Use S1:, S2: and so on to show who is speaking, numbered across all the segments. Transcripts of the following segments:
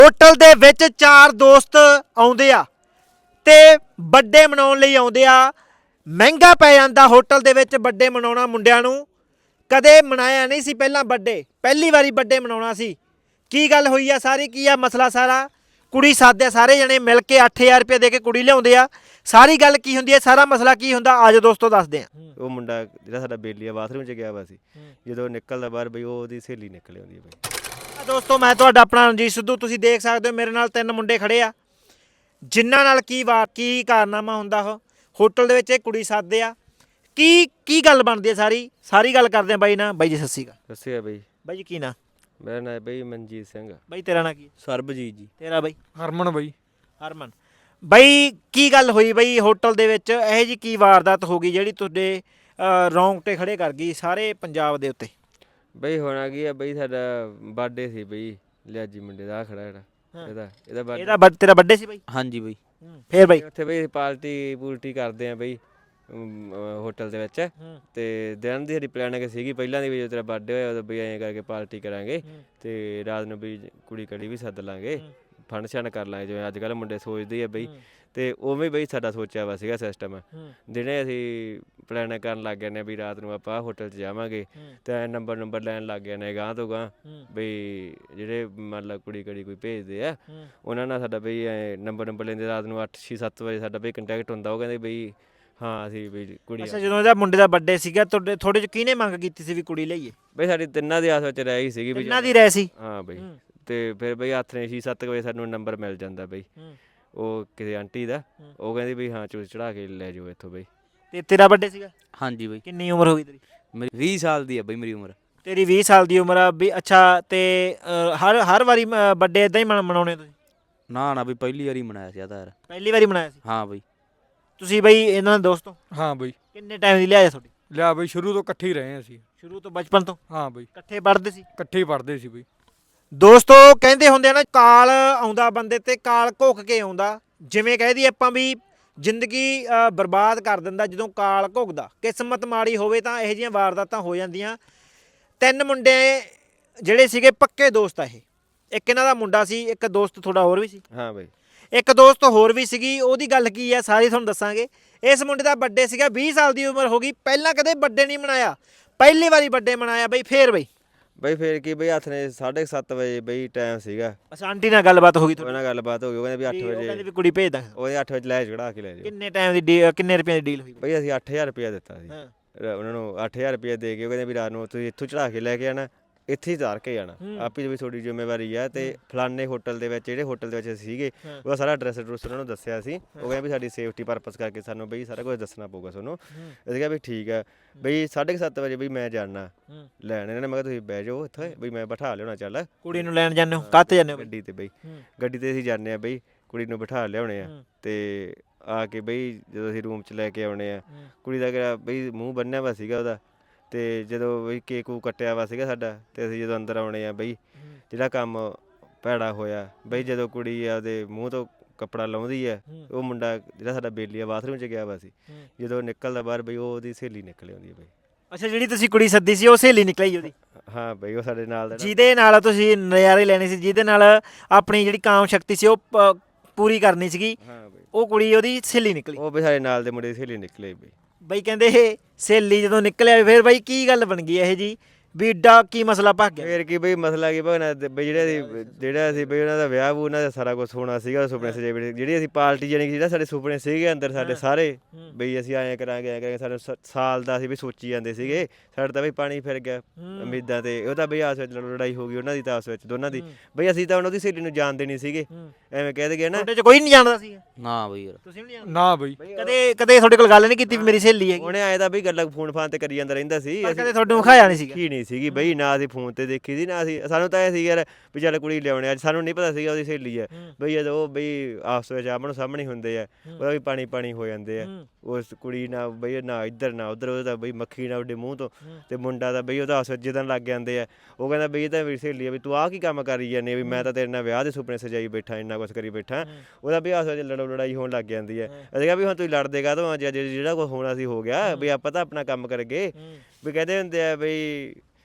S1: Hotel ਦੇ ਵਿੱਚ ਚਾਰ ਦੋਸਤ ਆਉਂਦੇ ਆ ਤੇ ਬਰਥਡੇ ਮਨਾਉਣ ਲਈ ਆਉਂਦੇ ਆ। ਮਹਿੰਗਾ ਪੈ ਜਾਂਦਾ ਹੋਟਲ ਦੇ ਵਿੱਚ ਬਰਥਡੇ ਮਨਾਉਣਾ। ਮੁੰਡਿਆਂ ਨੂੰ ਕਦੇ ਮਨਾਇਆ ਨਹੀਂ ਸੀ ਪਹਿਲਾਂ ਬਰਥਡੇ, ਪਹਿਲੀ ਵਾਰੀ ਬਰਥਡੇ ਮਨਾਉਣਾ ਸੀ। ਕੀ ਗੱਲ ਹੋਈ ਆ ਸਾਰੀ, ਕੀ ਆ ਮਸਲਾ ਸਾਰਾ? ਕੁੜੀ ਸਾਦੇ ਸਾਰੇ ਜਣੇ ਮਿਲ ਕੇ 8000 ਰੁਪਏ ਦੇ ਕੇ ਕੁੜੀ ਲਿਆਉਂਦੇ ਆ। ਸਾਰੀ ਗੱਲ ਕੀ ਹੁੰਦੀ ਹੈ, ਸਾਰਾ ਮਸਲਾ ਕੀ ਹੁੰਦਾ, ਆਜੋ ਦੋਸਤੋ ਦੱਸਦੇ ਆ।
S2: ਉਹ ਮੁੰਡਾ ਜਿਹੜਾ ਸਾਡਾ ਬੇਲੀਆ ਬਾਥਰੂਮ 'ਚ ਗਿਆ ਵਾ ਸੀ, ਜਦੋਂ ਨਿਕਲਦਾ ਬਾਹਰ ਬਈ ਉਹਦੀ ਸਹੇਲੀ ਨਿਕਲ ਆਉਂਦੀ ਹੈ ਬਈ।
S1: ਦੋਸਤੋ ਮੈਂ ਤੁਹਾਡਾ ਆਪਣਾ ਰਣਜੀਤ ਸਿੱਧੂ, ਤੁਸੀਂ ਦੇਖ ਸਕਦੇ ਹੋ ਮੇਰੇ ਨਾਲ ਤਿੰਨ ਮੁੰਡੇ ਖੜੇ ਆ ਜਿਨ੍ਹਾਂ ਨਾਲ ਕੀ ਕਾਰਨਾਮਾ ਹੁੰਦਾ। ਉਹ ਹੋਟਲ ਦੇ ਵਿੱਚ ਇਹ ਕੁੜੀ ਸਾਦੇ ਆ। ਕੀ ਗੱਲ ਬਣਦੀ ਹੈ, ਸਾਰੀ ਗੱਲ ਕਰਦੇ ਆ ਬਾਈ ਨਾਲ। ਬਾਈ ਜੀ ਸਤਿ ਸ਼੍ਰੀ ਅਕਾਲ।
S2: ਦੱਸਿਆ ਬਈ
S1: ਬਾਈ ਜੀ ਕੀ ਨਾਂ?
S2: ਮੇਰਾ ਨਾਂ ਬਈ ਮਨਜੀਤ ਸਿੰਘ।
S1: ਬਾਈ ਤੇਰਾ ਨਾਂ ਕੀ?
S3: ਸਰਬਜੀਤ ਜੀ।
S1: ਤੇਰਾ ਬਾਈ?
S3: ਹਰਮਨ ਬਾਈ।
S1: ਹਰਮਨ। ਬਾਈ ਕੀ ਗੱਲ ਹੋਈ ਬਾਈ ਹੋਟਲ ਦੇ ਵਿੱਚ, ਇਹੋ ਜਿਹੀ ਕੀ ਵਾਰਦਾਤ ਹੋ ਗਈ ਜਿਹੜੀ ਤੁਹਾਡੇ ਰੌਂਗਟੇ ਖੜੇ ਕਰ ਗਈ ਸਾਰੇ ਪੰਜਾਬ ਦੇ ਉੱਤੇ?
S2: ਬਈ ਹੋਣਾ ਕੀ ਆ ਬਈ, ਸਾਡਾ ਬਰਥਡੇ ਸੀ ਬਈ ਲਿਆਜੀ ਮੁੰਡੇ ਦਾ, ਖੜਾ ਜਿਹੜਾ ਇਹਦਾ ਬਰਥਡੇ।
S1: ਤੇਰਾ ਬਰਥਡੇ ਸੀ ਬਾਈ?
S3: ਹਾਂਜੀ ਬਾਈ।
S1: ਫੇਰ ਬਾਈ
S2: ਉੱਥੇ ਬਈ ਪਾਰਟੀ ਕਰਦੇ ਆ ਬਈ ਹੋਟਲ ਦੇ ਵਿੱਚ। ਤੇ ਦਿਨ ਦੀ ਸਾਡੀ ਪਲੈਨਿੰਗ ਸੀਗੀ ਪਹਿਲਾਂ ਦੀ ਵੀ, ਜਦੋਂ ਤੇਰਾ ਬਰਥਡੇ ਹੋਇਆ ਉਦੋਂ ਬਈ ਐਂ ਕਰਕੇ ਪਾਰਟੀ ਕਰਾਂਗੇ ਤੇ ਰਾਤ ਨੂੰ ਵੀ ਕੁੜੀ ਕੜੀ ਵੀ ਸੱਦ ਲਾਂਗੇ, ਫੰਕਸ਼ਨ ਕਰ ਲਾਂਗੇ ਜਿਵੇਂ ਅੱਜ ਕੱਲ੍ਹ ਮੁੰਡੇ ਸੋਚਦੇ ਆ ਬਈ। ਤੇ ਉਵੇਂ ਬਈ ਸਾਡਾ ਸੋਚਿਆ ਵਾ ਸੀਗਾ ਸਿਸਟਮ। ਦਿਨੇ ਅਸੀਂ ਪਲੈਨਿੰਗ ਕਰਨ ਲੱਗ ਗਏ ਨੇ ਵੀ ਰਾਤ ਨੂੰ ਆਪਾਂ ਹੋਟਲ 'ਚ ਜਾਵਾਂਗੇ ਤੇ ਨੰਬਰ ਲੈਣ ਲੱਗ ਗਏ ਨੇ ਗਾਂਹ ਤੋਂ ਗਾਂਹ ਬਈ ਜਿਹੜੇ ਮੰਨ ਲਾ ਕੁੜੀ ਕੜੀ ਕੋਈ ਭੇਜਦੇ ਆ ਉਹਨਾਂ ਨਾਲ ਸਾਡਾ ਬਈ ਨੰਬਰ ਲੈਂਦੇ। ਰਾਤ ਨੂੰ 8-6-7 ਵਜੇ ਸਾਡਾ ਬਈ ਕੰਟੈਕਟ ਹੁੰਦਾ। ਉਹ ਕਹਿੰਦੇ ਬਈ ਹਾਂ ਅਸੀਂ ਬਈ ਕੁੜੀ।
S1: ਅੱਛਾ, ਜਦੋਂ ਇਹਦਾ ਮੁੰਡੇ ਦਾ ਬਰਥਡੇ ਸੀਗਾ ਤੁਹਾਡੇ 'ਚ ਕਿਹਨੇ ਮੰਗ ਕੀਤੀ ਸੀ ਵੀ ਕੁੜੀ ਲਈਏ?
S2: ਬਈ ਸਾਡੀ ਤਿੰਨਾਂ ਦੀ ਆਸ ਵਿੱਚ ਰਹਿ ਗਈ ਸੀਗੀ ਬਈ।
S1: ਇਹਨਾਂ ਦੀ ਰਹਿ ਸੀ?
S2: ਹਾਂ ਬਈ। ਤੇ ਫਿਰ ਬਈ ਹੱਥ ਨੇ 6-7 ਵਜੇ ਸਾਨੂੰ ਨੰਬਰ ਮਿਲ ਜਾਂਦਾ ਬਈ ਉਹ ਕਿਸੇ ਆਂਟੀ ਦਾ। ਉਹ ਕਹਿੰਦੀ ਬਈ ਹਾਂ ਚੂਸ ਚੜਾ ਕੇ ਲੈ ਜਾਓ ਇੱਥੋਂ ਬਈ।
S1: ਤੇ ਤੇਰਾ ਬਰਥਡੇ ਸੀਗਾ?
S3: ਹਾਂਜੀ ਬਾਈ।
S1: ਕਿੰਨੀ ਉਮਰ ਹੋ ਗਈ ਤੇਰੀ?
S3: ਮੇਰੀ 20 ਸਾਲ ਦੀ ਆ ਬਾਈ ਮੇਰੀ ਉਮਰ।
S1: ਤੇਰੀ 20 ਸਾਲ ਦੀ ਉਮਰ ਆ ਵੀ। ਅੱਛਾ, ਤੇ ਹਰ ਵਾਰੀ ਬਰਥਡੇ ਇਦਾਂ ਹੀ ਮਨਾਉਣੇ ਤੁਸੀਂ?
S3: ਨਾ ਬਈ ਪਹਿਲੀ ਵਾਰੀ ਮਨਾਇਆ ਸੀ ਆ ਤਾਂ ਯਾਰ।
S1: ਪਹਿਲੀ ਵਾਰੀ ਮਨਾਇਆ ਸੀ?
S3: ਹਾਂ ਬਾਈ।
S1: ਤੁਸੀਂ ਬਈ ਇਹਨਾਂ ਦੇ ਦੋਸਤੋ?
S4: ਹਾਂ ਬਈ।
S1: ਕਿੰਨੇ ਟਾਈਮ ਦੀ ਲਿਆਇਆ ਤੁਹਾਡੀ?
S4: ਲਿਆ ਬਈ ਸ਼ੁਰੂ ਤੋਂ ਇਕੱਠੇ ਹੀ ਰਹੇ ਅਸੀਂ।
S1: ਸ਼ੁਰੂ ਤੋਂ ਬਚਪਨ ਤੋਂ?
S4: ਹਾਂ ਬਈ,
S1: ਇਕੱਠੇ ਪੜ੍ਹਦੇ ਸੀ?
S4: ਇਕੱਠੇ ਹੀ ਪੜ੍ਹਦੇ ਸੀ ਬਈ।
S1: ਦੋਸਤੋ ਕਹਿੰਦੇ ਹੁੰਦੇ ਆ ਨਾ, ਕਾਲ ਆਉਂਦਾ ਬੰਦੇ ਤੇ ਕਾਲ ਘੁੱਕ ਕੇ ਆਉਂਦਾ। ਜਿਵੇਂ ਕਹਿ ਦਈਏ ਆਪਾਂ ਵੀ ਜ਼ਿੰਦਗੀ ਬਰਬਾਦ ਕਰ ਦਿੰਦਾ ਜਦੋਂ ਕਾਲ ਘੁੱਕਦਾ। ਕਿਸਮਤ ਮਾੜੀ ਹੋਵੇ ਤਾਂ ਇਹੋ ਜਿਹੀਆਂ ਵਾਰਦਾਤਾਂ ਹੋ ਜਾਂਦੀਆਂ। ਤਿੰਨ ਮੁੰਡੇ ਜਿਹੜੇ ਸੀਗੇ ਪੱਕੇ ਦੋਸਤ ਆ ਇਹ। ਇੱਕ ਇਹਨਾਂ ਦਾ ਮੁੰਡਾ ਸੀ, ਇੱਕ ਦੋਸਤ ਤੁਹਾਡਾ ਹੋਰ ਵੀ ਸੀ?
S2: ਹਾਂ ਬਈ।
S1: ਇੱਕ ਦੋਸਤ ਹੋਰ ਵੀ ਸੀਗੀ। ਉਹਦੀ ਗੱਲ ਕੀ ਹੈ ਸਾਰੀ ਤੁਹਾਨੂੰ ਦੱਸਾਂਗੇ। ਇਸ ਮੁੰਡੇ ਦਾ ਬਰਥਡੇ ਸੀਗਾ, 20 ਸਾਲ ਦੀ ਉਮਰ ਹੋ ਗਈ, ਪਹਿਲਾਂ ਕਦੇ ਬਰਥਡੇ ਨਹੀਂ ਮਨਾਇਆ, ਪਹਿਲੀ ਵਾਰੀ ਬਰਥਡੇ ਮਨਾਇਆ ਬਈ। ਫੇਰ ਬਈ
S2: ਫਿਰ ਕੀ ਬਈ ਹੱਥ ਨੇ 7:30 ਵਜੇ ਬਈ ਟਾਈਮ ਸੀਗਾ।
S1: ਅੱਛਾ, ਆਂਟੀ ਨਾਲ ਗੱਲਬਾਤ ਹੋ ਗਈ
S2: ਉਹਨਾਂ ਨਾਲ ਗੱਲਬਾਤ ਹੋ ਗਈ। ਉਹ ਕਹਿੰਦੇ ਵੀ 8
S1: ਉਹ ਕਹਿੰਦੇ
S2: ਵਜੇ
S1: ਵੀ ਕੁੜੀ ਭੇਜ ਦਾਂ।
S2: ਉਹਦੇ 8 ਵਜੇ ਲੈ ਚੜਾ ਕੇ ਲੈ ਜਾਓ।
S1: ਕਿੰਨੇ ਟਾਈਮ ਦੀ ਕਿੰਨੇ ਰੁਪਏ ਦੀ ਡੀਲ ਹੋਈ
S2: ਬਈ ਅਸੀਂ 8000 ਰੁਪਇਆ ਦਿੱਤਾ ਸੀ
S1: ਹਾਂ।
S2: ਉਹਨਾਂ ਨੂੰ। 8000 ਰੁਪਇਆ ਦੇ ਕੇ ਉਹ ਕਹਿੰਦੇ ਵੀ ਰਾਤ ਨੂੰ ਤੁਸੀਂ ਇੱਥੋਂ ਚੜਾ ਕੇ ਲੈ ਕੇ ਆਣਾ, ਇੱਥੇ ਹੀ ਉਤਾਰ ਕੇ ਜਾਣਾ, ਆਪੀ ਵੀ ਤੁਹਾਡੀ ਜ਼ਿੰਮੇਵਾਰੀ ਆ। ਤੇ ਫਲਾਨੇ ਹੋਟਲ ਦੇ ਵਿੱਚ, ਜਿਹੜੇ ਹੋਟਲ ਦੇ ਵਿੱਚ ਅਸੀਂ ਸੀਗੇ, ਉਹਦਾ ਸਾਰਾ ਐਡਰੈਸ ਉਹਨਾਂ ਨੂੰ ਦੱਸਿਆ ਸੀ। ਉਹ ਕਹਿੰਦੇ ਵੀ ਸਾਡੀ ਸੇਫਟੀ ਪਰਪਸ ਕਰਕੇ ਸਾਨੂੰ ਬਈ ਸਾਰਾ ਕੁਝ ਦੱਸਣਾ ਪਊਗਾ ਤੁਹਾਨੂੰ। ਅਸੀਂ ਕਿਹਾ ਵੀ ਠੀਕ ਆ ਬਈ। 7:30 ਵਜੇ ਬਈ ਮੈਂ ਜਾਣਾ ਲੈਣ ਇਹਨਾਂ ਨੇ। ਮੈਂ ਕਿਹਾ ਤੁਸੀਂ ਬਹਿ ਜਾਓ ਇੱਥੇ ਬਈ, ਮੈਂ ਬਿਠਾ ਲਿਆਉਣਾ। ਚੱਲ
S1: ਕੁੜੀ ਨੂੰ ਲੈਣ ਜਾਂਦੇ ਹੋ? ਕਾਹਤੇ ਜਾਂਦੇ ਹੋ?
S2: ਗੱਡੀ ਤੇ ਬਈ। ਗੱਡੀ ਤੇ ਅਸੀਂ ਜਾਂਦੇ ਆ ਬਈ, ਕੁੜੀ ਨੂੰ ਬਿਠਾ ਲਿਆਉਣੇ ਆ। ਤੇ ਆ ਕੇ ਬਈ ਜਦੋਂ ਅਸੀਂ ਰੂਮ 'ਚ ਲੈ ਕੇ ਆਉਣੇ ਆ, ਕੁੜੀ ਦਾ ਕਿਹੜਾ ਬਈ ਮੂੰਹ ਬੰਨਿਆ ਵਾ ਸੀਗਾ ਉਹਦਾ। ਤੇ ਜਦੋਂ ਬਈ ਕੇਕ ਕੂਕ ਕੱਟਿਆ ਵਾ ਸੀਗਾ ਸਾਡਾ, ਤੇ ਅਸੀਂ ਜਦੋਂ ਅੰਦਰ ਆਉਣੇ ਆ ਬਈ, ਜਿਹੜਾ ਕੰਮ ਭੈੜਾ ਹੋਇਆ ਬਈ, ਜਦੋਂ ਕੁੜੀ ਆਪਦੇ ਮੂੰਹ ਤੋਂ ਕੱਪੜਾ ਲਾਉਂਦੀ ਹੈ, ਉਹ ਮੁੰਡਾ ਜਿਹੜਾ ਸਾਡਾ ਬੇਲੀਆ ਬਾਥਰੂਮ 'ਚ ਗਿਆ ਵਾ ਸੀ, ਜਦੋਂ ਨਿਕਲਦਾ ਬਾਹਰ ਬਈ ਉਹਦੀ ਸਹੇਲੀ ਨਿਕਲ ਆਉਂਦੀ ਹੈ ਬਈ।
S1: ਅੱਛਾ, ਜਿਹੜੀ ਤੁਸੀਂ ਕੁੜੀ ਸੱਦੀ ਸੀ ਉਹ ਸਹੇਲੀ ਨਿਕਲੀ ਉਹਦੀ?
S2: ਹਾਂ ਬਈ, ਉਹ ਸਾਡੇ ਨਾਲ ਦਾ
S1: ਜਿਹਦੇ ਨਾਲ ਤੁਸੀਂ ਨਜ਼ਾਰੇ ਲੈਣੇ ਸੀ, ਜਿਹਦੇ ਨਾਲ ਆਪਣੀ ਜਿਹੜੀ ਕਾਮ ਸ਼ਕਤੀ ਸੀ ਉਹ ਪੂਰੀ ਕਰਨੀ ਸੀਗੀ,
S2: ਹਾਂ ਬਈ,
S1: ਉਹ ਕੁੜੀ ਉਹਦੀ ਸਹੇਲੀ ਨਿਕਲੀ?
S2: ਉਹ ਬਈ ਸਾਡੇ ਨਾਲ ਦੇ ਮੁੰਡੇ ਦੀ ਸਹੇਲੀ ਨਿਕਲੇ ਬਈ।
S1: ਬਈ ਕਹਿੰਦੇ ਇਹ ਸਹੇਲੀ ਜਦੋਂ ਨਿਕਲਿਆ ਫਿਰ ਬਈ ਕੀ ਗੱਲ ਬਣ ਗਈ ਇਹ ਜੀ ਵੀ ਏਡਾ ਕੀ ਮਸਲਾ ਭੱਗ ਗਿਆ?
S2: ਫਿਰ ਕੀ ਬਈ ਮਸਲਾ ਕੀ ਭਗਣਾ ਬਈ, ਜਿਹੜਾ ਸੀ ਬਈ ਉਹਨਾਂ ਦਾ ਵਿਆਹ ਵੂ ਉਹਨਾਂ ਦਾ ਸਾਰਾ ਕੁਝ ਹੋਣਾ ਸੀਗਾ। ਸੁਪਨੇ ਸਜੇ ਬੜੇ, ਜਿਹੜੀ ਅਸੀਂ ਪਾਰਟੀ ਜਾਣੀ ਕਿ ਜਿਹੜਾ ਸਾਡੇ ਸੁਪਨੇ ਸੀਗੇ ਅੰਦਰ ਸਾਡੇ ਸਾਰੇ ਬਈ, ਅਸੀਂ ਐਂ ਕਰਾਂਗੇ ਸਾਨੂੰ ਸਾਲ ਦਾ ਅਸੀਂ ਵੀ ਸੋਚੀ ਜਾਂਦੇ ਸੀਗੇ। ਸਾਡੇ ਤਾਂ ਬਈ ਪਾਣੀ ਫਿਰ ਗਿਆ ਉਮੀਦਾਂ ਤੇ। ਉਹ ਤਾਂ ਬਈ ਆਸ ਵਿੱਚ ਲੜਾਈ ਹੋ ਗਈ ਉਹਨਾਂ ਦੀ ਤਾਂ ਆਸ ਵਿੱਚ ਦੋਨਾਂ ਦੀ ਬਈ। ਅਸੀਂ ਤਾਂ ਉਹਦੀ ਸਹੇਲੀ ਨੂੰ ਜਾਣਦੇ ਨਹੀਂ ਸੀਗੇ, ਐਵੇਂ ਕਹਿ ਦਗੇ ਨਾ।
S1: ਤੁਹਾਡੇ ਚ ਕੋਈ ਨਹੀਂ ਜਾਣਦਾ ਸੀ?
S3: ਨਾ ਬਈ ਯਾਰ।
S1: ਤੁਸੀਂ ਵੀ ਨਹੀਂ ਜਾਣਦੇ?
S4: ਨਾ ਬਈ।
S1: ਕਦੇ ਤੁਹਾਡੇ ਕੋਲ ਗੱਲ ਨਹੀਂ ਕੀਤੀ ਵੀ ਮੇਰੀ ਸਹੇਲੀ ਹੈਗੀ?
S2: ਉਹਨੇ ਆਏ ਤਾਂ ਬਈ ਗੱਲਾਂ ਫੋਨ ਫਾਨ ਤੇ ਕਰੀ ਜਾਂਦਾ ਰਹਿੰਦਾ ਸੀ।
S1: ਕਦੇ ਤੁਹਾਨੂੰ ਵਿਖਾਇਆ ਨਹੀਂ ਸੀਗਾ?
S2: ਕੀ ਨਹੀਂ ਸੀਗੀ ਬਈ, ਨਾ ਅਸੀਂ ਫੋਨ ਤੇ ਦੇਖੀ ਸੀ ਨਾ ਅਸੀਂ। ਸਾਨੂੰ ਤਾਂ ਇਹ ਸੀ ਯਾਰ ਵੀ ਚੱਲ ਕੁੜੀ ਲਿਆਉਣੇ। ਅੱਜ ਸਾਨੂੰ ਨਹੀਂ ਪਤਾ ਸੀਗਾ ਉਹਦੀ ਸਹੇਲੀ ਹੈ ਬਈ। ਜਦੋਂ ਉਹ ਬਈ ਆਪਸ ਵਿੱਚ ਆਮਣ ਸਾਹਮਣੇ ਹੁੰਦੇ ਆ, ਉਹਦਾ ਵੀ ਪਾਣੀ ਹੋ ਜਾਂਦੇ ਆ। ਉਸ ਕੁੜੀ ਨਾਲ ਬਈ ਨਾ ਇੱਧਰ ਨਾ ਉੱਧਰ, ਉਹਦਾ ਬਈ ਮੱਖੀ ਨਾ ਉੱਡੇ ਮੂੰਹ ਤੋਂ। ਤੇ ਮੁੰਡਾ ਦਾ ਬਈ ਉਹਦਾ ਆਪਸ ਵਿੱਚ ਜਿੱਦਣ ਲੱਗ ਜਾਂਦੇ ਆ। ਉਹ ਕਹਿੰਦਾ ਬਈ ਇਹ ਤਾਂ ਮੇਰੀ ਸਹੇਲੀ ਆ, ਵੀ ਤੂੰ ਆਹ ਕੀ ਕੰਮ ਕਰੀ ਜਾਂਦੀ ਵੀ, ਮੈਂ ਤਾਂ ਤੇਰੇ ਨਾਲ ਵਿਆਹ ਦੇ ਸੁਪਨੇ ਸਜਾਈ ਬੈਠਾ, ਇੰਨਾ ਕੁਛ ਕਰੀ ਬੈਠਾ। ਉਹਦਾ ਵੀ ਆਪਸ ਵਿੱਚ ਲੜਾਈ ਹੋਣ ਲੱਗ ਜਾਂਦੀ ਹੈ। ਅਸੀਂ ਕਿਹਾ ਵੀ ਹੁਣ ਤੁਸੀਂ ਲੜਦੇ ਕਾਹਤੋਂ? ਜਿਹੜਾ ਕੁਛ ਹੋਣਾ ਸੀ ਹੋ ਗਿਆ, ਵੀ ਆਪਾਂ ਤਾਂ ਆਪਣਾ ਕੰਮ ਕਰਗੇ। ਵੀ ਕਹਿੰਦੇ ਹੁੰਦੇ ਆ ਬਈ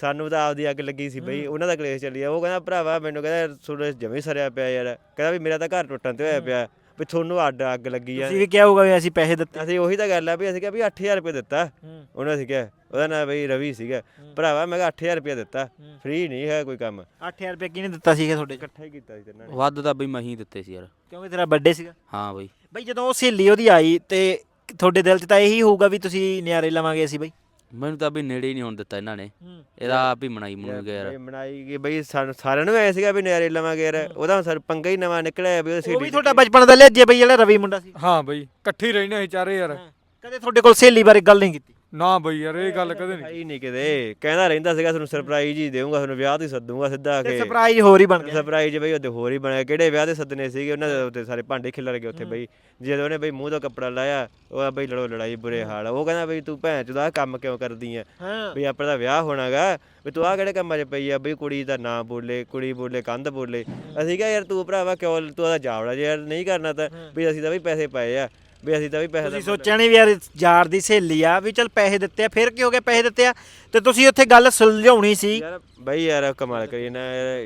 S2: ਸਾਨੂੰ ਤਾਂ ਆਪਦੀ ਅੱਗ ਲੱਗੀ ਸੀ ਬਈ, ਉਹਨਾਂ ਦਾ ਕਲੇਸ਼ ਚੱਲੀ ਆ। ਉਹ ਕਹਿੰਦਾ ਭਰਾਵਾ ਮੈਨੂੰ ਕਹਿੰਦਾ ਤੁਹਾਡੇ ਜਮੀ ਸਰਿਆ ਪਿਆ ਯਾਰ, ਕਹਿੰਦਾ ਵੀ ਮੇਰਾ ਤਾਂ ਘਰ ਟੁੱਟਣ ਤੇ ਹੋਇਆ ਪਿਆ ਵੀ ਤੁਹਾਨੂੰ ਅੱਗ ਲੱਗੀ ਆ।
S1: ਤੁਸੀਂ ਵੀ ਕਿਹਾ ਹੋਊਗਾ ਵੀ ਅਸੀਂ ਪੈਸੇ ਦਿੱਤੇ।
S2: ਅਸੀਂ ਉਹੀ ਤਾਂ ਗੱਲ ਆ ਵੀ ਅਸੀਂ ਕਿਹਾ ਵੀ 8000 ਰੁਪਏ ਦਿੱਤਾ ਉਹਨੇ, ਅਸੀਂ ਕਿਹਾ ਉਹਦਾ ਨਾਂ ਬਈ ਰਵੀ ਸੀਗਾ ਭਰਾਵਾ, ਮੈਂ ਕਿਹਾ 8000 ਰੁਪਏ ਦਿੱਤਾ, ਫ੍ਰੀ ਨਹੀਂ ਹੈ ਕੋਈ ਕੰਮ।
S1: 8000 ਰੁਪਏ ਕਿਹਨੇ ਦਿੱਤਾ ਸੀਗਾ ਤੁਹਾਡੇ?
S2: ਇਕੱਠਾ ਹੀ ਕੀਤਾ ਸੀ ਤਿੰਨਾਂ ਨੇ।
S3: ਵੱਧ ਤਾਂ ਬਈ ਮਹੀਂ ਦਿੱਤੇ ਸੀ ਯਾਰ।
S1: ਕਿਉਂਕਿ ਤੇਰਾ ਬਰਥਡੇ ਸੀਗਾ।
S3: ਹਾਂ ਬਈ।
S1: ਬਈ ਜਦੋਂ ਉਹ ਸਹੇਲੀ ਉਹਦੀ ਆਈ ਤੇ ਤੁਹਾਡੇ ਦਿਲ 'ਚ ਤਾਂ ਇਹੀ ਹੋਊਗਾ ਵੀ ਤੁਸੀਂ ਨਿਆਰੇ ਲਵਾਂਗੇ ਅਸੀਂ ਬਈ।
S3: ਮੈਨੂੰ ਤਾਂ ਬਈ ਨੇੜੇ ਹੀ ਨਹੀਂ ਹੋਣ ਦਿੱਤਾ ਇਹਨਾਂ ਨੇ, ਇਹਦਾ ਆਪ ਹੀ ਮਨਾਈ ਮਨੂੰ ਗਿਆ ਯਾਰ।
S2: ਬਈ ਬਣਾਈ ਗਈ ਬਈ, ਸਾਨੂੰ ਸਾਰਿਆਂ ਨੂੰ ਐ ਸੀਗਾ ਵੀ ਨਿਆਰੇ ਲਵਾਂਗੇ ਯਾਰ, ਉਹਦਾ ਸਰ ਪੰਗਾ ਹੀ ਨਵਾਂ ਨਿਕਲਿਆ ਵੀ
S1: ਉਹ ਵੀ ਤੁਹਾਡਾ ਬਚਪਨ ਦਾ ਲਿਆਜੇ ਬਈ, ਜਿਹੜਾ ਰਵੀ ਮੁੰਡਾ ਸੀ।
S4: ਹਾਂ ਬਈ ਇਕੱਠੇ ਹੀ ਰਹਿੰਦੇ ਅਸੀਂ ਚਾਰੇ ਯਾਰ।
S1: ਕਦੇ ਤੁਹਾਡੇ ਕੋਲ ਸਹੇਲੀ ਬਾਰੇ ਗੱਲ ਨਹੀਂ ਕੀਤੀ?
S4: ਨਾ ਬਈ ਯਾਰ ਇਹ ਗੱਲ ਕਦੇ ਨਹੀਂ।
S2: ਨਹੀਂ ਕਿਤੇ ਕਹਿੰਦਾ ਰਹਿੰਦਾ ਸੀਗਾ ਤੁਹਾਨੂੰ ਸਰਪ੍ਰਾਈਜ਼ ਹੀ ਦੇਵਾਂਗਾ, ਤੁਹਾਨੂੰ ਵਿਆਹ ਤੇ ਸੱਦੂਗਾ ਸਿੱਧਾ ਆ
S1: ਤੇ
S2: ਕੇ।
S1: ਸਰਪ੍ਰਾਈਜ਼ ਹੋਰ ਹੀ ਬਣ ਗਿਆ।
S2: ਸਰਪ੍ਰਾਈਜ਼ ਬਈ ਉਹਦੇ ਹੋਰ ਹੀ ਬਣਿਆ, ਕਿਹੜੇ ਵਿਆਹ ਤੇ ਸੱਦਨੇ ਸੀਗੇ ਉਹਨਾਂ ਦੇ ਉੱਤੇ ਸਾਰੇ ਭਾਂਡੇ ਖਿਲਰ ਗਏ ਉੱਥੇ ਬਈ। ਜਦੋਂ ਉਹਨੇ ਬਈ ਮੂੰਹ ਤੋਂ ਕੱਪੜਾ ਲਾਇਆ ਉਹ ਬਈ ਲੜਾਈ ਬੁਰੇ ਹਾਲ। ਉਹ ਕਹਿੰਦਾ ਬਈ ਤੂੰ ਭੈਣ ਚੋਦ ਆਹ ਕੰਮ ਕਿਉਂ ਕਰਦੀ ਆ, ਵੀ ਆਪਣਾ ਦਾ ਵਿਆਹ ਹੋਣਾਗਾ, ਵੀ ਤੂੰ ਆਹ ਕਿਹੜੇ ਕੰਮਾਂ 'ਚ ਪਈ ਆ ਬਈ, ਕੁੜੀ ਦਾ ਨਾਂ ਬੋਲੇ, ਕੁੜੀ ਬੋਲੇ, ਕੰਧ ਬੋਲੇ। ਅਸੀਂ ਕਿਹਾ ਯਾਰ ਤੂੰ ਭਰਾਵਾ ਕਿਉਂ ਤੂੰ ਉਹਦਾ ਜਾਵੜਾ ਜੇ ਯਾਰ ਨਹੀਂ ਕਰਨਾ ਤਾਂ ਵੀ ਅਸੀਂ ਤਾਂ ਵੀ ਪੈਸੇ ਪਾਏ ਆ, ਵੀ ਅਸੀਂ ਤਾਂ ਵੀ ਪੈਸੇ।
S1: ਤੁਸੀਂ ਸੋਚਿਆ ਨਹੀਂ ਵੀ ਯਾਰ ਯਾਰ ਦੀ ਸਹੇਲੀ ਆ, ਵੀ ਚੱਲ ਪੈਸੇ ਦਿੱਤੇ ਆ, ਫਿਰ ਕੀ ਹੋ ਗਿਆ ਪੈਸੇ ਦਿੱਤੇ ਆ ਤੇ ਤੁਸੀਂ ਉੱਥੇ ਗੱਲ ਸੁਲਝਾਉਣੀ ਸੀ।
S2: ਯਾਰ ਬਈ ਯਾਰ ਕਮਾਲ ਕਰੀ ਨਾ,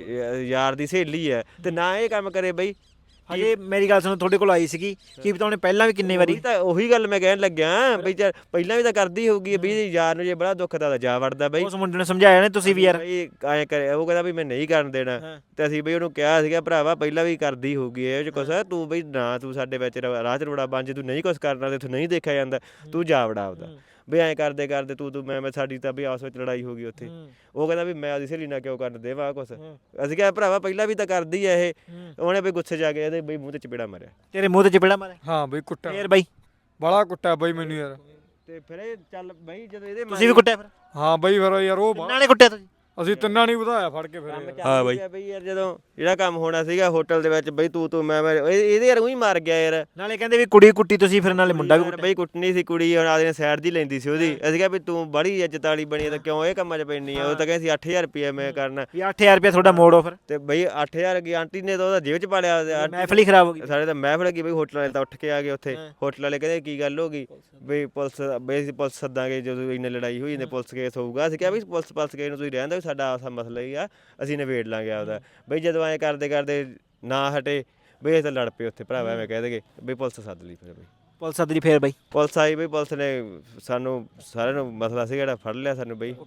S2: ਯਾਰ ਦੀ ਸਹੇਲੀ ਹੈ ਤੇ ਨਾ ਇਹ ਕੰਮ ਕਰੇ ਬਈ।
S1: ਹਜੇ ਮੇਰੀ ਗੱਲ ਸੁਣੋ, ਤੁਹਾਡੇ ਕੋਲ ਆਈ ਸੀਗੀ ਕੀ ਪਤਾ ਉਹਨੇ ਪਹਿਲਾਂ ਵੀ ਕਿੰਨੇ ਵਾਰੀ।
S2: ਉਹੀ ਗੱਲ ਮੈਂ ਕਹਿਣ ਲੱਗਿਆ ਬਈ ਚੱਲ ਪਹਿਲਾਂ ਵੀ ਤਾਂ ਕਰਦੀ ਹੋਊਗੀ ਵੀ ਯਾਰ ਨੂੰ ਜੇ ਬੜਾ ਦੁੱਖ ਦਾ ਜਾ ਵੜਦਾ ਬਈ।
S1: ਉਸ ਮੁੰਡੇ ਨੂੰ ਸਮਝਾਇਆ ਨੇ ਤੁਸੀਂ ਵੀ ਯਾਰ?
S2: ਬਈ ਐਂ ਕਰੇ, ਉਹ ਕਹਿੰਦਾ ਵੀ ਮੈਂ ਨਹੀਂ ਕਰਨ ਦੇਣਾ ਤੇ ਅਸੀਂ ਬਈ ਉਹਨੂੰ ਕਿਹਾ ਸੀਗਾ ਭਰਾਵਾ ਪਹਿਲਾਂ ਵੀ ਕਰਦੀ ਹੋਊਗੀ ਇਹ ਚ ਕੁਛ, ਤੂੰ ਬਈ ਨਾ ਤੂੰ ਸਾਡੇ ਵਿੱਚ ਰਾਹ ਚ ਰੋੜਾ ਬਣ, ਜੇ ਤੂੰ ਨਹੀਂ ਕੁਛ ਕਰਨਾ ਤੇ ਤੂੰ ਨਹੀਂ ਦੇਖਿਆ ਜਾਂਦਾ, ਤੂੰ ਜਾ ਵੜਾ ਆਪਦਾ। ਵੀ ਐਂ ਕਰਦੇ ਕਰਦੇ ਤੂੰ ਮੈਂ ਸਾਡੀ ਤਾਂ ਵੀ ਆਪਸ ਵਿੱਚ ਲੜਾਈ ਹੋ ਗਈ ਉੱਥੇ। ਉਹ ਕਹਿੰਦਾ ਵੀ ਮੈਂ ਉਹਦੀ ਸਹੇਲੀ ਨਾਲ ਕਿਉਂ ਕਰਨ ਦੇਵਾਂ ਕੁਛ। ਅਸੀਂ ਕਿਹਾ ਭਰਾਵਾ ਪਹਿਲਾਂ ਵੀ ਤਾਂ ਕਰਦੀ ਆ ਇਹ। ਉਹਨੇ ਬਈ ਗੁੱਸੇ ਜਾ ਕੇ ਇਹਦੇ ਬਈ ਮੂੰਹ ਤੇ ਚਪੇੜਾ ਮਾਰਿਆ।
S1: ਤੇਰੇ ਮੂੰਹ ਤੇ ਚਪੇੜਾ ਮਾਰਿਆ?
S4: ਹਾਂ ਬਈ ਕੁੱਟਿਆ
S1: ਫੇਰ ਬਈ?
S4: ਬੜਾ ਕੁੱਟਿਆ ਬਈ ਮੈਨੂੰ ਯਾਰ।
S2: ਤੇ ਫਿਰ ਇਹ ਚੱਲ ਬਈ ਜਦੋਂ ਇਹਦੇ
S1: ਤੁਸੀਂ ਵੀ ਕੁੱਟਿਆ ਫਿਰ?
S4: ਹਾਂ ਬਈ ਫਿਰ ਯਾਰ ਉਹ
S1: ਕਿੰਨਾਂ ਨੇ ਕੁੱਟਿਆ ਤੁਸੀਂ?
S4: ਅਸੀਂ ਤਿੰਨਾਂ ਨਹੀਂ ਵਧਾਇਆ ਫੜ ਕੇ ਫਿਰ ਯਾਰ।
S2: ਹਾਂ ਬਈ ਯਾਰ ਜਦੋਂ ਜਿਹੜਾ ਕੰਮ ਹੋਣਾ ਸੀਗਾ ਹੋਟਲ ਦੇ ਵਿੱਚ ਬਈ ਤੂੰ ਮੈਂ ਇਹਦੇ ਯਾਰ ਉਹੀ ਮਾਰ ਗਿਆ ਯਾਰ।
S1: ਨਾਲੇ ਕਹਿੰਦੇ ਵੀ ਕੁੜੀ ਕੁੱਟੀ ਤੁਸੀਂ, ਫਿਰ ਨਾਲੇ ਮੁੰਡਾ ਵੀ ਕੁੱਟਿਆ।
S2: ਬਈ ਕੁੱਟਣੀ ਸੀ ਕੁੜੀ, ਹੁਣ ਆਦੇ ਸਾਈਡ ਦੀ ਲੈਂਦੀ ਸੀ ਉਹਦੀ। ਅਸੀਂ ਕਿਹਾ ਵੀ ਤੂੰ ਬੜੀ ਇੱਜ਼ਤ ਵਾਲੀ ਬਣੀ ਤਾਂ ਕਿਉਂ ਇਹ ਕੰਮਾਂ 'ਚ ਪੈਣੀ ਆ। ਉਹ ਤਾਂ ਕਹਿੰਦੀ ਸੀ 8000 ਰੁਪਏ ਮੈਂ ਕਰਨਾ।
S1: ਵੀ 8000 ਰੁਪਏ ਤੁਹਾਡਾ ਮੋੜੋ ਫਿਰ।
S2: ਤੇ ਬਈ 8000 ਕੀ ਆਂਟੀ ਨੇ ਤਾਂ ਉਹਦਾ ਜੇਬ 'ਚ ਪਾ ਲਿਆ।
S1: ਮਹਿਫਲ ਹੀ ਖਰਾਬ ਹੋ ਗਈ।
S2: ਸਾਡੇ ਤਾਂ ਮਹਿਫਲ ਕੀ ਬਈ, ਹੋਟਲ ਵਾਲੇ ਤਾਂ ਉੱਠ ਕੇ ਆ ਗਏ ਉੱਥੇ। ਹੋਟਲ ਵਾਲੇ ਕਹਿੰਦੇ ਕੀ ਗੱਲ ਹੋ ਗਈ ਬਈ, ਪੁਲਿਸ ਸੱਦਾਂਗੇ ਜਦੋਂ ਇੰਨੀ ਲੜਾਈ ਹੋਈ ਜਾਂਦੀ, ਪੁਲਿਸ ਕੇਸ ਹੋਊਗਾ। ਅਸੀਂ ਕਿਹਾ ਵੀ ਪੁਲਿਸ ਕੇਸ ਨੂੰ ਤੁਸੀਂ ਰਹਿਣ ਦਿਓ, ਸਾਡਾ ਆਪਸਾ ਮਸਲਾ ਹੀ ਆ, ਅਸੀਂ ਨਿਬੇੜ ਲਾਂਗੇ ਆਪਦਾ। ਬਈ ਜਦੋਂ ਐਂ ਕਰਦੇ ਕਰਦੇ ਨਾ ਹਟੇ ਬਈ ਅਸੀਂ ਤਾਂ ਲੜ ਪਏ ਉੱਥੇ ਭਰਾਵਾ, ਐਵੇਂ ਕਹਿ ਦੇਗੇ ਬਈ ਪੁਲਿਸ ਸੱਦ ਲਈ। ਫਿਰ ਬਈ
S1: ਪੁਲਿਸ ਸੱਦ ਲਈ ਫੇਰ ਬਈ?
S2: ਪੁਲਿਸ ਆਈ ਬਈ, ਪੁਲਿਸ ਨੇ ਸਾਨੂੰ ਸਾਰਿਆਂ ਨੂੰ ਮਸਲਾ ਸੀ ਜਿਹੜਾ ਫੜ ਲਿਆ ਸਾਨੂੰ ਬਈ।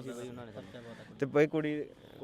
S2: ਤੇ ਬਈ ਕੁੜੀ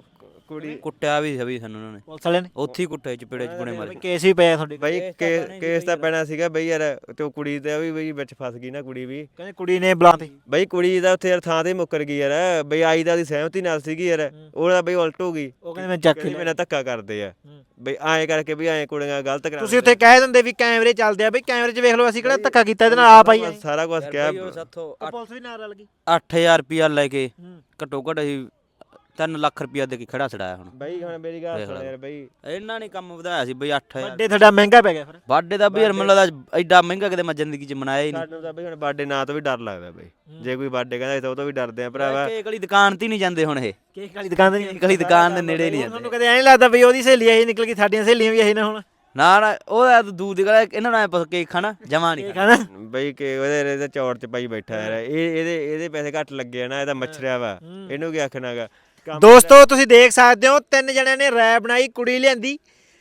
S3: ਕੁੱਟਿਆ ਵੀ ਸੀ ਬਈ ਸਾਨੂੰ ਉਹਨਾਂ ਨੇ,
S1: ਪੁਲਿਸ ਵਾਲਿਆਂ ਨੇ
S3: ਉੱਥੇ ਹੀ ਕੁੱਟਿਆ ਚਪੇੜੇ ਚਪੂੜੇ ਮਾਰੇ।
S1: ਕੇਸ ਵੀ ਪਿਆ ਤੁਹਾਡੇ?
S2: ਬਈ ਕੇਸ ਤਾਂ ਪੈਣਾ ਸੀਗਾ ਬਈ ਯਾਰ, ਤੇ ਉਹ ਕੁੜੀ ਤੇ ਵੀ ਬਈ ਵਿੱਚ ਫਸ ਗਈ ਨਾ ਕੁੜੀ ਵੀ।
S1: ਕਹਿੰਦੇ ਕੁੜੀ ਨੇ ਬੁਲਾਤੀ
S2: ਬਈ ਕੁੜੀ ਦਾ ਉੱਥੇ ਯਾਰ ਥਾਂ ਤੇ ਮੁੱਕਰ ਗਈ ਯਾਰ, ਬਈ ਆਈ ਦਾ ਦੀ ਸਹਿਮਤੀ ਨਾਲ ਸੀਗੀ ਯਾਰ, ਉਹਦਾ ਬਈ ਉਲਟ ਹੋ ਗਈ।
S1: ਉਹ ਕਹਿੰਦੇ ਮੈਂ ਚੱਕ
S2: ਮੇਰੇ ਨਾਲ ਧੱਕਾ ਕਰਦੇ ਆ ਬਈ, ਐਂ ਕਰਕੇ ਵੀ ਐਂ ਕੁੜੀਆਂ ਗਲਤ ਕਰਾ।
S1: ਤੁਸੀਂ ਉੱਥੇ ਕਹਿ ਦਿੰਦੇ ਵੀ ਕੈਮਰੇ ਚੱਲਦੇ ਆ, ਬਈ ਕੈਮਰੇ 'ਚ ਵੇਖ ਲਓ, ਅਸੀਂ ਕਿਹੜਾ ਧੱਕਾ ਕੀਤਾ ਇਹਦੇ ਨਾਲ, ਆਪ ਆਈ
S2: ਸਾਰਾ ਕੁਝ ਕਿਹਾ।
S1: ਪੁਲਿਸ ਵੀ ਨਾਲ ਰਲ ਗਈ।
S3: 8000 ਰੁਪਿਆ ਲੈ ਕੇ ਘੱਟੋ ਘੱਟ ਅਸੀਂ 3 ਲੱਖ ਰੁਪਿਆ ਦੇ ਕੇ ਖੜਾ ਛੜਾਇਆ। ਹੁਣ
S2: ਬਈ ਹੁਣ ਮੇਰੀ ਗੱਲ ਸੁਣ ਯਾਰ ਬਈ,
S3: ਇਹਨਾਂ ਨੇ ਕੰਮ ਵਧਾਇਆ ਸੀ ਬਈ 8000।
S1: ਵੱਡੇ ਤੁਹਾਡਾ ਮਹਿੰਗਾ ਪੈ ਗਿਆ ਫਿਰ?
S3: ਬਾਡੇ ਦਾ ਵੀ ਯਾਰ ਮੈਨੂੰ ਲੱਗਦਾ ਐਡਾ ਮਹਿੰਗਾ ਕਿਤੇ ਮੈਂ ਜ਼ਿੰਦਗੀ 'ਚ ਮਨਾਇਆ ਹੀ ਨਹੀਂ।
S2: ਸਾਨੂੰ ਤਾਂ ਬਈ ਹੁਣ ਬਰਥਡੇ ਨਾਂ ਤੋਂ ਵੀ ਡਰ ਲੱਗਦਾ ਬਈ, ਜੇ ਕੋਈ ਬਰਥਡੇ ਕਹਿੰਦਾ ਤਾਂ ਉਹ ਤੋਂ ਵੀ ਡਰਦੇ ਆ ਭਰਾਵਾ।
S3: ਕੇਕ ਵਾਲੀ ਦੁਕਾਨ ਤੇ ਨਹੀਂ ਜਾਂਦੇ ਹੁਣ, ਇਹ
S1: ਕੇਕ ਵਾਲੀ ਦੁਕਾਨ ਤੇ ਨਹੀਂ?
S3: ਕੇਕ ਵਾਲੀ ਦੁਕਾਨ ਦੇ ਨੇੜੇ ਨਹੀਂ ਜਾਂਦੇ।
S1: ਤੁਹਾਨੂੰ ਕਦੇ ਐਂ ਨਹੀਂ ਲੱਗਦਾ ਬਈ ਉਹਦੀ ਸਹੇਲੀ ਇਹੀ ਨਿਕਲ ਗਈ, ਸਾਡੀਆਂ ਸਹੇਲੀਆਂ ਵੀ ਇਹੀ ਨਾ ਹੁਣ?
S3: ਨਾ ਉਹ ਦੂਰ ਦੀ ਗੱਲ, ਇਹਨਾਂ ਨਾਲ ਬਸ ਕੇਕ ਖਾਣਾ ਜਮਾ ਨਹੀਂ ਖਾਣਾ
S2: ਬਈ ਕਿ ਉਹਦੇ ਚੌੜ 'ਚ ਪਾਈ ਬੈਠਾ ਯਾਰ। ਇਹਦੇ ਪੈਸੇ ਘੱਟ ਲੱਗੇ ਆ ਨਾ, ਇਹਦਾ ਮੱਛਰਿਆ ਵਾ, ਇਹਨੂੰ ਕੀ ਆਖਣਾਗਾ।
S1: ਦੋਸਤੋ ਤੁਸੀਂ ਦੇਖ ਸਕਦੇ ਹੋ, 3 ਜਣਿਆਂ ਨੇ ਰੈ ਬਣਾਈ, ਕੁੜੀ ਲਿਆਂਦੀ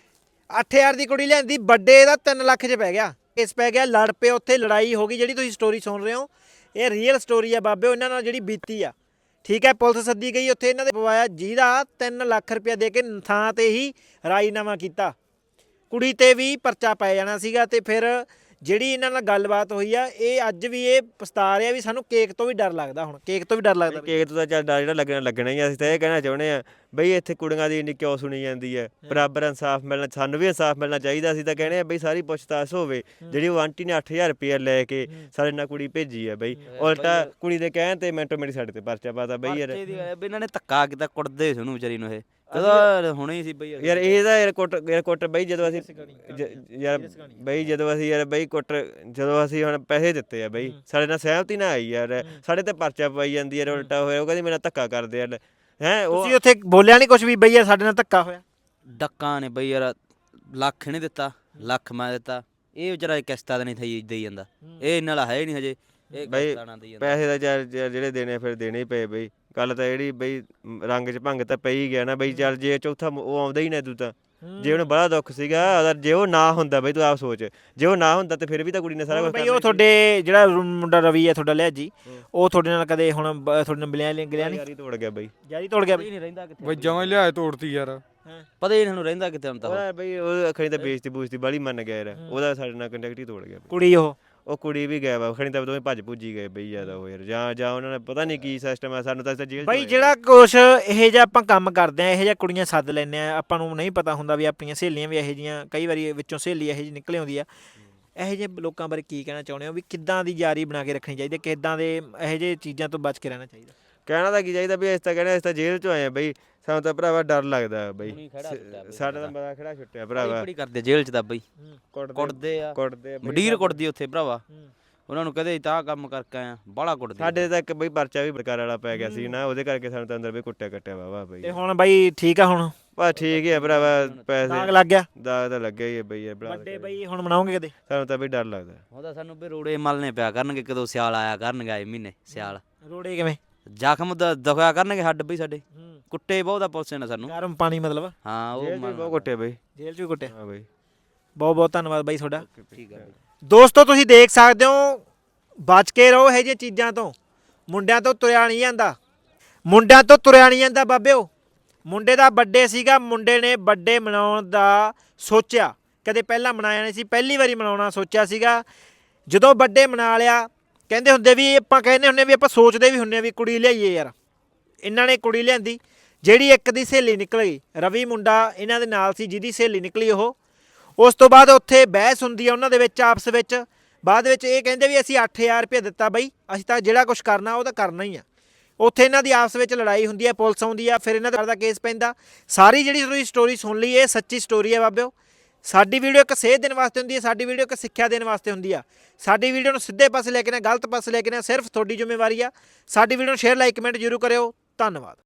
S1: 8000 ਦੀ ਕੁੜੀ ਲਿਆਂਦੀ, ਵੱਡੇ ਦਾ 3 ਲੱਖ 'ਚ ਪੈ ਗਿਆ। ਇਸ ਪੈ ਗਿਆ, ਲੜ ਪਏ ਉੱਥੇ, ਲੜਾਈ ਹੋ ਗਈ। ਜਿਹੜੀ ਤੁਸੀਂ ਸਟੋਰੀ ਸੁਣ ਰਹੇ ਹੋ ਇਹ ਰੀਅਲ ਸਟੋਰੀ ਆ ਬਾਬੇ, ਉਹਨਾਂ ਨਾਲ ਜਿਹੜੀ ਬੀਤੀ ਆ। ਠੀਕ ਹੈ, ਪੁਲਿਸ ਸੱਦੀ ਗਈ ਉੱਥੇ, ਇਹਨਾਂ ਦੇ ਪਵਾਇਆ ਜਿਹਦਾ 3 ਲੱਖ ਰੁਪਇਆ ਦੇ ਕੇ ਥਾਂ ਤੇ ਹੀ ਰਾਜੀਨਾਮਾ ਕੀਤਾ। ਕੁੜੀ ਤੇ ਵੀ ਪਰਚਾ ਪੈ ਜਾਣਾ ਸੀਗਾ। ਤੇ ਫਿਰ ਜਿਹੜੀ ਇਹਨਾਂ ਨਾਲ ਗੱਲਬਾਤ ਹੋਈ ਆ, ਇਹ ਅੱਜ ਵੀ ਇਹ ਪਛਤਾ ਰਿਹਾ ਵੀ ਸਾਨੂੰ ਕੇਕ ਤੋਂ ਵੀ ਡਰ ਲੱਗਦਾ। ਹੁਣ ਕੇਕ ਤੋਂ ਵੀ ਡਰ ਲੱਗਦਾ?
S2: ਕੇਕ ਤੋਂ ਤਾਂ ਚੱਲ ਡਰ ਜਿਹੜਾ ਲੱਗਣਾ ਹੀ ਆ। ਅਸੀਂ ਤਾਂ ਇਹ ਕਹਿਣਾ ਚਾਹੁੰਦੇ ਆ ਬਈ ਇੱਥੇ ਕੁੜੀਆਂ ਦੀ ਇੰਨੀ ਕਿਉਂ ਸੁਣੀ ਜਾਂਦੀ ਹੈ। ਬਰਾਬਰ ਇਨਸਾਫ ਮਿਲਣਾ, ਸਾਨੂੰ ਵੀ ਇਨਸਾਫ ਮਿਲਣਾ ਚਾਹੀਦਾ। ਅਸੀਂ ਤਾਂ ਕਹਿੰਦੇ ਆ ਬਈ ਸਾਰੀ ਪੁੱਛਤਾਛ ਹੋਵੇ। ਜਿਹੜੀ ਉਹ ਆਂਟੀ ਨੇ 8000 ਰੁਪਇਆ ਲੈ ਕੇ ਸਾਡੇ ਨਾਲ ਕੁੜੀ ਭੇਜੀ ਆ ਬਈ, ਉਲਟਾ ਕੁੜੀ ਦੇ ਕਹਿਣ ਤੇ ਮਿੰਟੋ ਮਿੰਟ ਸਾਡੇ ਤੇ ਪਰਚਾ ਪਾਤਾ ਬਈ ਯਾਰ।
S3: ਇਹਨਾਂ ਨੇ ਧੱਕਾ ਕੀਤਾ, ਕੁੱਟਦੇ ਸੀ ਉਹਨੂੰ ਵਿਚਾਰੀ ਨੂੰ। ਇਹ ਕਦੋਂ ਹੁਣੇ ਹੀ ਸੀ ਬਈ
S2: ਯਾਰ ਇਹਦਾ ਯਾਰ ਕੁੱਟ ਬਈ, ਜਦੋਂ ਅਸੀਂ ਯਾਰ ਬਈ ਜਦੋਂ ਅਸੀਂ ਯਾਰ ਬਈ ਜਦੋਂ ਅਸੀਂ ਹੁਣ ਪੈਸੇ ਦਿੱਤੇ ਆ ਬਈ, ਸਾਡੇ ਨਾਲ ਸਹਿਮਤੀ ਨਾ ਆਈ ਯਾਰ, ਸਾਡੇ ਤੇ ਪਰਚਾ ਪਾਈ ਜਾਂਦੀ ਯਾਰ ਉਲਟਾ ਹੋਇਆ। ਉਹ ਕਹਿੰਦੀ ਮੇਰੇ ਨਾਲ ਧੱਕਾ ਕਰਦੇ ਯਾਰ। ਹੈਂ
S1: ਤੁਸੀਂ ਉੱਥੇ ਬੋਲਿਆ ਨਹੀਂ ਕੁਝ ਵੀ ਬਈ ਯਾਰ ਸਾਡੇ ਨਾਲ ਧੱਕਾ ਹੋਇਆ?
S3: ਡੱਕਾਂ ਨੇ ਬਈ ਯਾਰ, ਲੱਖ ਨਹੀਂ ਦਿੱਤਾ, ਲੱਖ ਮੈਂ ਦਿੱਤਾ। ਇਹ ਵਿਚਾਰਾ ਕਿਸ਼ਤਾਂ ਤਾਂ ਨਹੀਂ ਦੇਈ ਜਾਂਦਾ, ਇਹ ਇਹਨਾਂ ਵਾਲਾ ਹੈ ਹੀ ਨਹੀਂ ਹਜੇ।
S2: ਬਈ ਪੈਸੇ ਦਾ ਜਿਹੜੇ ਦੇਣੇ ਫਿਰ ਦੇਣੇ ਹੀ ਪਏ ਬਈ। ਗੱਲ ਤਾਂ ਜਿਹੜੀ ਬਈ ਰੰਗ 'ਚ ਭੰਗ ਤਾਂ ਪਈ ਗਿਆ ਨਾ ਬਈ। ਚੱਲ ਜੇ ਚੌਥਾ ਉਹ ਆਉਂਦਾ ਹੀ ਨਾ ਤੂੰ ਤਾਂ, ਜੇ ਉਹਨੂੰ ਬੜਾ ਦੁੱਖ ਸੀਗਾ ਅਗਰ ਜੇ ਉਹ ਨਾ ਹੁੰਦਾ ਬਈ ਤੂੰ ਆਪ ਸੋਚ, ਜੇ ਉਹ ਨਾ ਹੁੰਦਾ ਤੇ ਫਿਰ ਵੀ ਤਾਂ ਕੁੜੀ ਨੇ ਸਾਰਾ ਕੁਝ
S1: ਬਈ ਉਹ ਤੁਹਾਡੇ ਜਿਹੜਾ ਮੁੰਡਾ ਰਵੀ ਹੈ ਤੁਹਾਡਾ ਲਿਆ ਜੀ, ਉਹ ਤੁਹਾਡੇ ਨਾਲ ਕਦੇ ਹੁਣ ਤੁਹਾਡੇ ਨਾਲ ਮਿਲਿਆ ਗਿਆ ਨਹੀਂ?
S2: ਯਾਰੀ ਤੋੜ ਗਿਆ ਬਈ।
S1: ਯਾਰੀ ਤੋੜ ਗਿਆ
S3: ਪਤਾ ਹੀ
S1: ਬਈ?
S3: ਨਹੀਂ ਰਹਿੰਦਾ ਕਿੱਥੇ
S4: ਬਈ ਜਮਾਂ ਹੀ ਲਿਆ ਤੋੜਤੀ ਯਾਰ।
S3: ਪਤਾ ਹੀ ਨਹੀਂ ਸਾਨੂੰ ਰਹਿੰਦਾ ਕਿੱਥੇ ਹੁਣ ਤਾਂ ਉਹ।
S2: ਉਹਦਾ ਬਈ ਉਹ ਅਖਣੀ ਤਾਂ ਬੇਇੱਜ਼ਤੀ ਬੂਜ਼ਤੀ ਬਾਲੀ ਮੰਨ ਗਿਆ ਯਾਰ, ਉਹਦਾ ਸਾਡੇ ਨਾਲ ਕੰਟੈਕਟ ਹੀ ਤੋੜ ਗਿਆ ਬਈ।
S1: ਕੁੜੀ
S2: ਉਹ ਕੁੜੀ ਵੀ ਗਿਆ ਵਾ ਅਖਣੀ ਤਾਂ ਦੋਵੇਂ ਭੱਜ ਭੁੱਜੀ ਗਏ ਬਈ ਜ਼ਿਆਦਾ ਉਹ ਯਾਰ, ਜਾਂ ਉਹਨਾਂ ਨੇ ਪਤਾ ਨਹੀਂ ਕੀ ਸਿਸਟਮ ਆ, ਸਾਨੂੰ ਤਾਂ ਜੇਲ੍ਹ 'ਚ
S1: ਬਈ
S2: ਹੋਇਆ।
S1: ਜਿਹੜਾ ਕੁਛ ਇਹ ਜਿਹਾ ਆਪਾਂ ਕੰਮ ਕਰਦੇ ਆ, ਇਹ ਜਿਹਾ ਕੁੜੀਆਂ ਸੱਦ ਲੈਂਦੇ ਆ, ਆਪਾਂ ਨੂੰ ਨਹੀਂ ਪਤਾ ਹੁੰਦਾ ਵੀ ਆਪਣੀਆਂ ਸਹੇਲੀਆਂ ਵੀ ਇਹੋ ਜਿਹੀਆਂ, ਕਈ ਵਾਰੀ ਵਿੱਚੋਂ ਸਹੇਲੀ ਇਹੋ ਜਿਹੀ ਨਿਕਲ ਆਉਂਦੀ ਆ। ਇਹੋ ਜਿਹੇ ਲੋਕਾਂ ਬਾਰੇ ਕੀ ਕਹਿਣਾ ਚਾਹੁੰਦੇ ਹੋ ਵੀ ਕਿੱਦਾਂ ਦੀ ਯਾਰੀ ਬਣਾ ਕੇ ਰੱਖਣੀ ਚਾਹੀਦੀ, ਕਿੱਦਾਂ ਦੇ ਇਹੋ ਜਿਹੇ ਚੀਜ਼ਾਂ ਤੋਂ ਬਚ ਕੇ ਰਹਿਣਾ ਚਾਹੀਦਾ?
S2: ਕਹਿਣਾ ਤਾਂ ਕੀ ਚਾਹੀਦਾ ਵੀ ਅਸੀਂ ਤਾਂ ਕਹਿੰਦੇ ਅਸੀਂ ਤਾਂ ਜੇਲ੍ਹ 'ਚੋਂ ਆਏ ਆ ਬਈ, ਸਾਨੂੰ ਤਾਂ ਭਰਾਵਾ ਡਰ ਲੱਗਦਾ ਬਈ।
S3: ਹੁਣੀ ਖੜਾ ਛੁੱਟਿਆ ਬਈ
S2: ਸਾਡਾ ਤਾਂ ਬੜਾ ਖੜਾ ਛੁੱਟਿਆ ਭਰਾਵਾ।
S3: ਬੜੀ ਕਰਦੇ ਜੇਲ੍ਹ 'ਚ ਤਾਂ ਬਈ,
S2: ਕੁੱਟਦੇ
S3: ਕੁੱਟਦੇ ਆ,
S2: ਕੁੱਟਦੇ ਆ ਬਈ।
S3: ਮੰਡੀਰ ਕੁੱਟਦੀ ਉੱਥੇ ਭਰਾਵਾ, ਉਹਨਾਂ ਨੂੰ ਕਦੇ ਤਾਂ ਕੰਮ ਕਰਕੇ ਆਇਆ ਬਾਹਲਾ ਕੁੱਟਦੇ।
S2: ਸਾਡੇ ਤਾਂ ਇੱਕ ਬਈ ਪਰਚਾ ਵੀ ਬਰਕਾਰ ਵਾਲਾ ਪੈ ਗਿਆ ਸੀ ਨਾ, ਉਹਦੇ ਕਰਕੇ ਸਾਨੂੰ ਤਾਂ ਅੰਦਰ ਵੀ ਕੁੱਟਿਆ ਕੱਟਿਆ ਵਾਵਾ ਬਈ।
S1: ਤੇ ਹੁਣ ਬਈ ਠੀਕ ਆ ਹੁਣ?
S2: ਬਸ ਠੀਕ ਹੀ ਆ ਭਰਾਵਾ,
S1: ਦਾਗ
S2: ਪੈਸੇ
S1: ਲੱਗ ਗਿਆ?
S2: ਦਾਗ ਤਾਂ ਲੱਗਿਆ ਹੀ ਆ ਬਈ ਯਾਰ ਭਰਾ।
S1: ਵੱਡੇ ਬਈ ਹੁਣ ਮਨਾਉਂਗੇ ਕਦੇ?
S2: ਸਾਨੂੰ ਤਾਂ ਬਈ ਡਰ ਲੱਗਦਾ।
S3: ਉਹਦਾ ਸਾਨੂੰ ਵੀ ਰੋੜੇ ਮਲਨੇ ਪਿਆ ਕਰਨਗੇ, ਕਦੋਂ ਸਿਆਲ ਆਇਆ ਕਰਨਗੇ, ਆਏ ਮਹੀਨੇ ਸਿਆਲ
S1: ਰੋੜੇ ਕਿਵੇਂ?
S3: ਜ਼ਖਮ ਦਿਖਾਇਆ ਕਰਨਗੇ ਹੱਡ ਬਈ ਸਾਡੇ, ਕੁੱਟੇ ਬਹੁਤ ਆ ਪੁਲਿਸ ਨੇ ਸਾਨੂੰ।
S1: ਗਰਮ ਪਾਣੀ ਮਤਲਬ?
S3: ਹਾਂ ਉਹ
S2: ਜੇਲ੍ਹ 'ਚ ਵੀ ਬਹੁਤ ਕੁੱਟਿਆ ਬਈ।
S1: ਜੇਲ੍ਹ 'ਚ ਵੀ ਕੁੱਟਿਆ?
S2: ਹਾਂ ਬਈ।
S1: ਬਹੁਤ ਬਹੁਤ ਧੰਨਵਾਦ ਬਾਈ ਤੁਹਾਡਾ।
S3: ਠੀਕ ਆ ਬਈ।
S1: ਦੋਸਤੋ ਤੁਸੀਂ ਦੇਖ ਸਕਦੇ ਹੋ, ਬਚ ਕੇ ਰਹੋ ਇਹ ਜਿਹੀਆਂ ਚੀਜ਼ਾਂ ਤੋਂ। ਮੁੰਡਿਆਂ ਤੋਂ ਤੁਰਿਆ ਨਹੀਂ ਜਾਂਦਾ, ਮੁੰਡਿਆਂ ਤੋਂ ਤੁਰਿਆ ਨਹੀਂ ਜਾਂਦਾ ਬਾਬਿਓ। ਮੁੰਡੇ ਦਾ ਬਰਥਡੇ ਸੀਗਾ, ਮੁੰਡੇ ਨੇ ਬਰਥਡੇ ਮਨਾਉਣ ਦਾ ਸੋਚਿਆ, ਕਦੇ ਪਹਿਲਾਂ ਮਨਾਇਆ ਨਹੀਂ ਸੀ, ਪਹਿਲੀ ਵਾਰੀ ਮਨਾਉਣਾ ਸੋਚਿਆ ਸੀਗਾ। ਜਦੋਂ ਬਰਥਡੇ ਮਨਾ ਲਿਆ, ਕਹਿੰਦੇ ਹੁੰਦੇ ਵੀ ਆਪਾਂ ਕਹਿੰਦੇ ਹੁੰਦੇ ਵੀ ਆਪਾਂ ਸੋਚਦੇ ਵੀ ਹੁੰਦੇ ਵੀ ਕੁੜੀ ਲਿਆਈਏ ਯਾਰ। ਇਹਨਾਂ ਨੇ ਕੁੜੀ ਲਿਆਂਦੀ, ਜਿਹੜੀ ਇੱਕ ਦੀ ਸਹੇਲੀ ਨਿਕਲ ਗਈ। ਰਵੀ ਮੁੰਡਾ ਇਹਨਾਂ ਦੇ ਨਾਲ ਸੀ ਜਿਹਦੀ ਸਹੇਲੀ ਨਿਕਲੀ ਉਹ। ਉਸ ਤੋਂ ਬਾਅਦ ਉੱਥੇ ਬਹਿਸ ਹੁੰਦੀ ਆ ਉਹਨਾਂ ਦੇ ਵਿੱਚ ਆਪਸ ਵਿੱਚ। ਬਾਅਦ ਵਿੱਚ ਇਹ ਕਹਿੰਦੇ ਵੀ ਅਸੀਂ 8000 ਰੁਪਏ ਦਿੱਤਾ ਬਈ, ਅਸੀਂ ਤਾਂ ਜਿਹੜਾ ਕੁਝ ਕਰਨਾ ਉਹ ਤਾਂ ਕਰਨਾ ਹੀ ਆ। ਉੱਥੇ ਇਹਨਾਂ ਦੀ ਆਪਸ ਵਿੱਚ ਲੜਾਈ ਹੁੰਦੀ ਹੈ, ਪੁਲਿਸ ਆਉਂਦੀ ਆ, ਫਿਰ ਇਹਨਾਂ ਦਾ ਕੇਸ ਪੈਂਦਾ। ਸਾਰੀ ਜਿਹੜੀ ਤੁਸੀਂ ਸਟੋਰੀ ਸੁਣ ਲਈ, ਇਹ ਸੱਚੀ ਸਟੋਰੀ ਹੈ ਬਾਬਿਓ। ਸਾਡੀ ਵੀਡੀਓ ਇੱਕ ਸੇਧ ਦੇਣ ਵਾਸਤੇ ਹੁੰਦੀ ਹੈ, ਸਾਡੀ ਵੀਡੀਓ ਇੱਕ ਸਿੱਖਿਆ ਦੇਣ ਵਾਸਤੇ ਹੁੰਦੀ ਆ। ਸਾਡੀ ਵੀਡੀਓ ਨੂੰ ਸਿੱਧੇ ਪਾਸੇ ਲੈ ਕੇ ਨਾ ਗਲਤ ਪਾਸੇ ਲੈ ਕੇ ਨਾ ਸਿਰਫ ਤੁਹਾਡੀ ਜ਼ਿੰਮੇਵਾਰੀ ਆ। ਸਾਡੀ ਵੀਡੀਓ ਨੂੰ ਸ਼ੇਅਰ ਲਾਈਕ ਕਮੈਂਟ ਜ਼ਰੂਰ ਕਰਿਓ। ਧੰਨਵਾਦ।